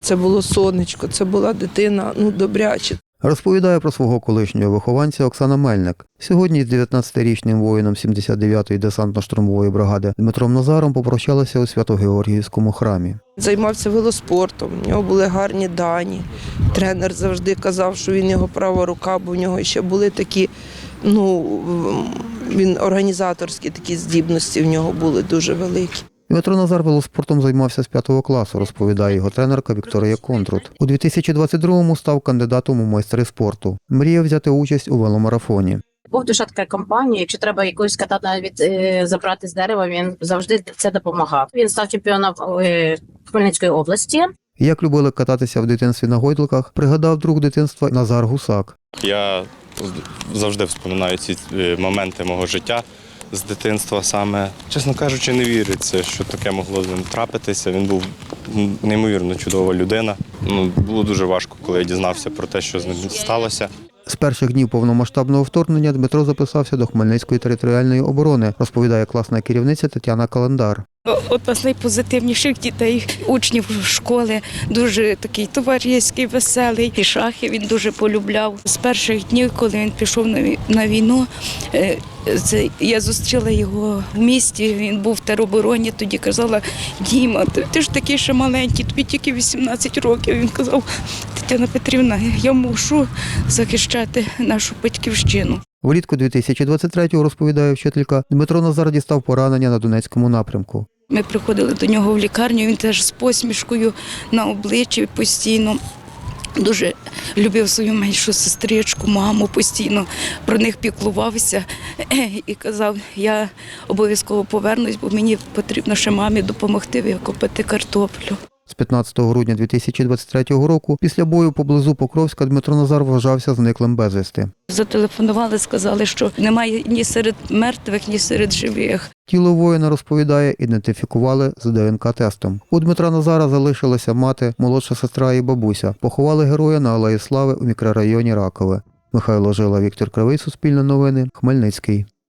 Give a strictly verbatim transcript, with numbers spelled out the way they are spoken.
Це було сонечко, це була дитина, ну, добряча. Розповідає про свого колишнього вихованця Оксана Мельник. Сьогодні з дев'ятнадцятирічним воїном сімдесят дев'ятої десантно-штурмової бригади Дмитром Назаром попрощалися у Свято-Георгіївському храмі. Займався велоспортом, в нього були гарні дані. Тренер завжди казав, що він його права рука, бо в нього ще були такі, ну, він організаторські такі здібності в нього були дуже великі. Дмитро Назар велоспортом займався з п'ятого класу, розповідає його тренерка Вікторія Контрут. У дві тисячі двадцять другому став кандидатом у майстри спорту. Мріяв взяти участь у веломарафоні. Був душа така компанія, якщо треба якусь катати навіть е, забрати з дерева, він завжди це допомагав. Він став чемпіоном е, Хмельницької області. Як любили кататися в дитинстві на гойдликах, пригадав друг дитинства Назар Гусак. Я завжди вспоминаю ці моменти мого життя з дитинства саме. Чесно кажучи, не віриться, що таке могло з ним трапитися. Він був неймовірно чудова людина. Ну, було дуже важко, коли я дізнався про те, що з ним сталося. З перших днів повномасштабного вторгнення Дмитро записався до Хмельницької територіальної оборони, розповідає класна керівниця Тетяна Календар. Одна з найпозитивніших дітей, учнів школи, дуже такий товариський, веселий. І шахи він дуже полюбляв. З перших днів, коли він пішов на війну, це, я зустріла його в місті, він був в теробороні, тоді казала: Діма, ти, ти ж такий ще маленький, тобі тільки вісімнадцять років. Він казав: Тетяна Петрівна, я мушу захищати нашу батьківщину. Влітку дві тисячі двадцять третього, розповідає вчителька, Дмитро Назар дістав поранення на Донецькому напрямку. Ми приходили до нього в лікарню, він теж з посмішкою на обличчі постійно. Дуже любив свою меншу сестричку, маму, постійно про них піклувався і казав: я обов'язково повернусь, бо мені потрібно ще мамі допомогти викопати картоплю. З п'ятнадцятого грудня дві тисячі двадцять третього року, після бою поблизу Покровська, Дмитро Назар вважався зниклим безвісти. Зателефонували, сказали, що немає ні серед мертвих, ні серед живих. Тіло воїна, розповідає, ідентифікували з ДНК-тестом. У Дмитра Назара залишилася мати, молодша сестра і бабуся. Поховали героя на Алеї Слави у мікрорайоні Ракове. Михайло Жила, Віктор Кривий, Суспільне новини, Хмельницький.